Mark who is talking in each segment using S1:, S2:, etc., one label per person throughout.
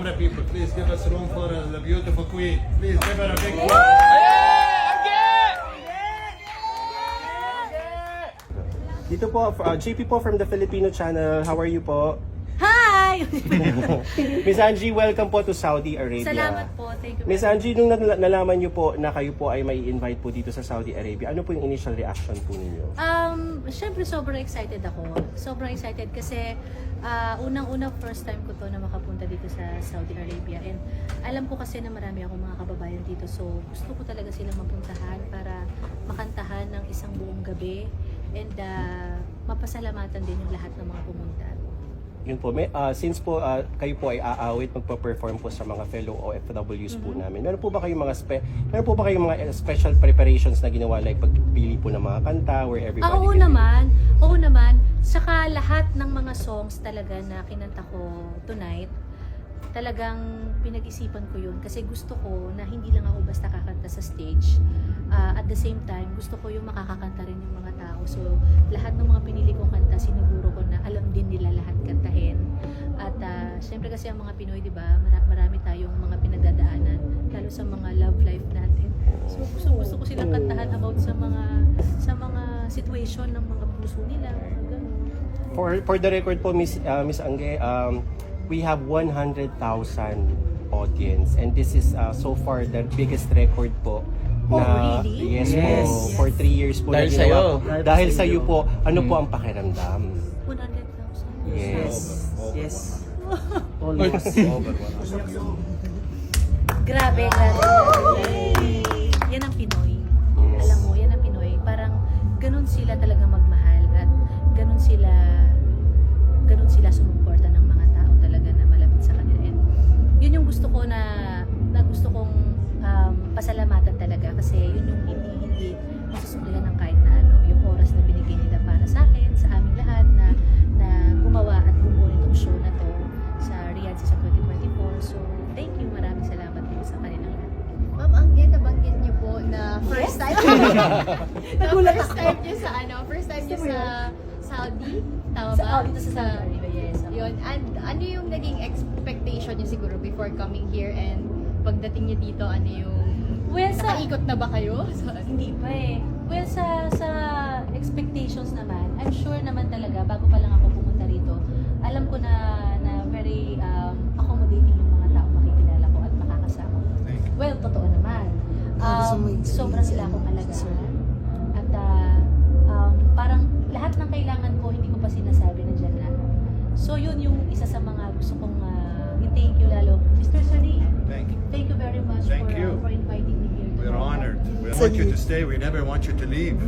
S1: camera people, please give us room for the beautiful queen. Please give her a big
S2: Dito po, JP po from the Filipino channel. How are you po?
S3: Hi!
S2: Miss Angie, welcome po to Saudi Arabia.
S3: Salamat po. Thank you.
S2: Miss Angie, nung nalaman niyo po na kayo po ay may invite po dito sa Saudi Arabia, ano po yung initial reaction po ninyo?
S3: Siyempre sobrang excited ako. Sobrang excited kasi unang-una first time ko to na makapunta dito sa Saudi Arabia. And alam ko kasi na marami akong mga kababayan dito. So gusto ko talaga silang mapuntahan para makantahan ng isang buong gabi. And mapasalamatan din yung lahat ng mga pumunta.
S2: Yun po, since po kayo po ay aawit, magpa-perform po sa mga fellow OFWs po namin. Meron po ba kayong mga special preparations na ginawa, like pagpili po ng mga kanta where everybody
S3: Oo naman. Saka lahat ng mga songs talaga na kinanta ko tonight, talagang pinag-isipan ko yun kasi gusto ko na hindi lang ako basta kakanta sa stage. At the same time, gusto ko yung makakakanta rin yung mga tao. So, lahat ng mga pinili kong kanta, siniguro ko na alam din nila lahat kantahin. At syempre kasi ang mga Pinoy, di ba, marami tayong mga pinagdadaanan, lalo sa mga love life natin. So, gusto ko silang kantahan about sa mga situation ng mga puso nila. Ganun.
S2: For the record po, Miss Angge, we have 100,000 audience and this is so far the biggest record po.
S3: Oh, really?
S2: Yes, po. For 3 years po.
S4: Dahil
S2: na
S4: sa'yo.
S2: ginawa. Dahil sa iyo po, ano po ang pakiramdam?
S3: 100,000.
S2: Yes.
S5: Yes.
S3: Grabe. Yan ang Pinoy.
S2: Yes.
S3: Alam mo, yan ang Pinoy. Parang ganun sila talaga magmahal at ganun sila sumuporta ng mga tao talaga na malapit sa kanila. And yun yung gusto ko na gusto kong pasalamatan talaga kasi yun yung hindi masusuklihan ng kahit na ano, yung oras na binigay nila para sa akin, sa aming lahat na gumawa at bumuo itong show na to sa Riyadh sa 2024. So, thank you. Maraming salamat po sa kanilang lahat.
S6: Ma'am, ang nabanggit niyo po na first time. First time niyo sa first time niyo sa Saudi, tama ba?
S3: Dito sa Saudi Arabia, yes.
S6: Yun. And ano yung naging expectation niyo siguro before coming here and pagdating niyo dito, ano yung nakaikot na ba kayo?
S3: Hindi pa eh. Well, sa expectations naman, I'm sure naman talaga, bago pa lang ako pumunta rito, alam ko na very accommodating yung mga tao makikilala ko at makakasama ko. Well, totoo naman. Sobrang nila akong alagaan. At parang lahat ng kailangan ko, hindi ko pa sinasabi na dyan na. So yun yung isa sa mga gusto kong i-thank you lalo. Mr. Sari, thank you very much
S1: Thank you.
S3: for inviting me here.
S1: We're honored. We want you to stay. We never want you to leave.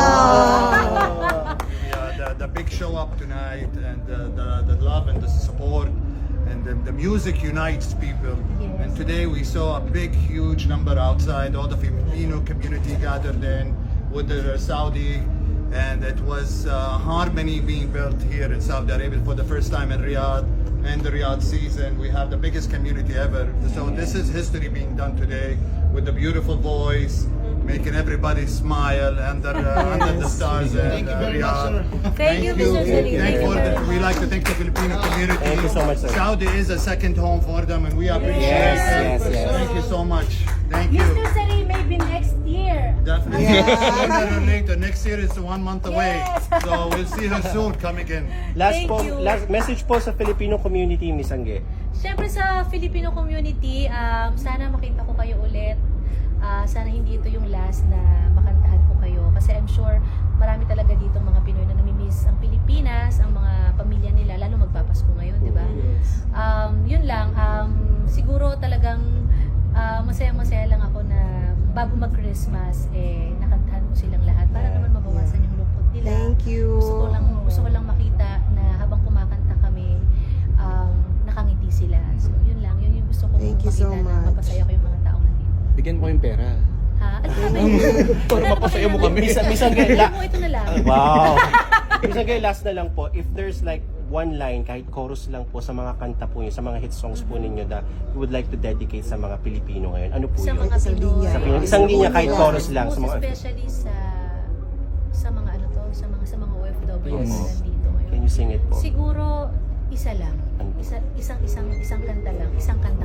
S1: The big show up tonight and the love and the support and the music unites people.
S3: Yes.
S1: And today we saw a big, huge number outside. All the Filipino community gathered in with the Saudi, and it was harmony being built here in Saudi Arabia for the first time in Riyadh. And the Riyadh season, we have the biggest community ever. So this is history being done today with the beautiful voice, making everybody smile under the stars in Riyadh.
S3: Thank you, Mr. Sari.
S1: We like to thank the Filipino community.
S2: Thank you so much, sir.
S1: Saudi is a second home for them, and we appreciate
S2: Yes,
S1: it.
S2: yes.
S1: Thank you so much. Thank you.
S3: Mr. Sari, maybe next year.
S1: Definitely. Sooner or later. Next year is 1 month away.
S3: Yes.
S1: So we'll see her soon coming in.
S3: Thank you.
S2: Last message po sa Filipino community, Miss Angge.
S3: Siyempre sa Filipino community, sana makita ko kayo ulit. Sana hindi ito yung last na makantahan ko kayo. Kasi I'm sure marami talaga dito mga Pinoy na namimiss ang Pilipinas, ang mga pamilya nila, lalo magpapasko ngayon, di ba? Yun lang, siguro talagang masaya-masaya lang ako na bago mag-Christmas, nakantahan ko silang lahat para naman mabawasan yung lungkot nila.
S5: Thank you.
S3: Gusto ko lang makita na habang kumakanta kami, nakangiti sila. So, yun lang. Yun yung gusto kong
S5: Thank you
S3: makita
S5: so
S3: na
S5: much.
S3: mapasaya ko yung mga taong nandito.
S4: Bigyan mo yung pera.
S3: Ha? Ano ba yun?
S4: Para mapasaya mo kami.
S2: Miss Angge,
S3: Ito na lang.
S2: wow. Miss Angge, last na lang po, if there's like one line, kahit chorus lang po sa mga kanta po niyo, sa mga hit songs po ninyo na you would like to dedicate sa mga Pilipino ngayon, ano po
S3: Sa
S2: yun?
S3: mga Pinoy.
S2: Sa Pinoy. Isang linya, kahit chorus lang.
S3: Most
S2: Sa mga
S3: especially sa mga ano to, sa mga OFW na nandito ngayon.
S2: Can you sing it po?
S3: Siguro isa lang. Isang kanta lang. Isang kanta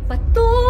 S3: Patuloy